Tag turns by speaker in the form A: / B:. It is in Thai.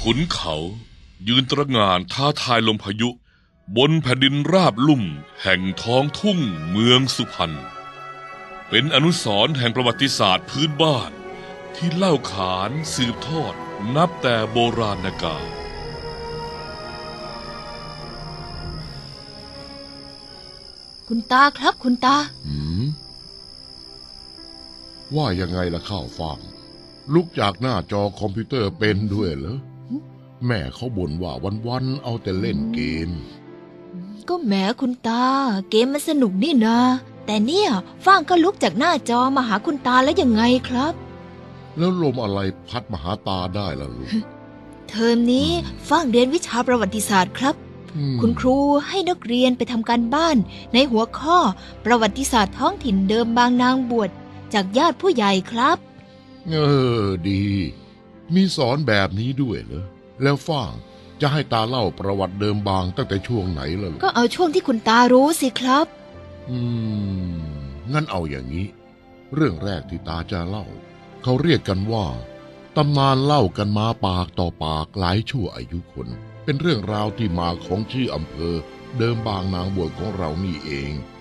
A: ขุนเขายืนตระหง่านท้าทายลมพายุบนแผ่นดินราบลุ่มแห่งท้องทุ่งเมืองสุพรรณเป็นอนุสรณ์แห่งประวัติศาสตร์พื้นบ้านที่เล่าขานสืบทอดนับแต่โบราณกาล
B: คุณตาครับคุณตา
C: ว่ายังไงล่ะข้าวฟ่างลุกจากหน้าจอคอมพิวเตอร์เป็นด้วยเหรอแม่เขาบ่นว่าวันๆเอาแต่เล่นเกม
B: ก็แหมคุณตาเกมมันสนุกนี่นาแต่เนี่ยฟ้างก็ลุกจากหน้าจอมาหาคุณตาแล้วยังไงครับ
C: แล้วลมอะไรพัดมาหาตาได้ล่ะลูก
B: เทอมนี้ฟ้างเรียนวิชาประวัติศาสตร์ครับคุณครูให้นักเรียนไปทำการบ้านในหัวข้อประวัติศาสตร์ท้องถิ่นเดิมบางนางบวชจากญาติผู้ใหญ่ครับ
C: ดีมีสอนแบบนี้ด้วยเหรอแล้วฟ่างจะให้ตาเล่าประวัติเดิมบางตั้งแต่ช่วงไหนล่ะลูก
B: ก็เอาช่วงที่คุณตารู้สิครับ
C: งั้นเอาอย่างนี้เรื่องแรกที่ตาจะเล่าเขาเรียกกันว่าตำนานเล่ากันมาปากต่อปากหลายชั่วอายุคนเป็นเรื่องราวที่มาของชื่ออำเภอเดิมบางนางบวชของเรานี่เอง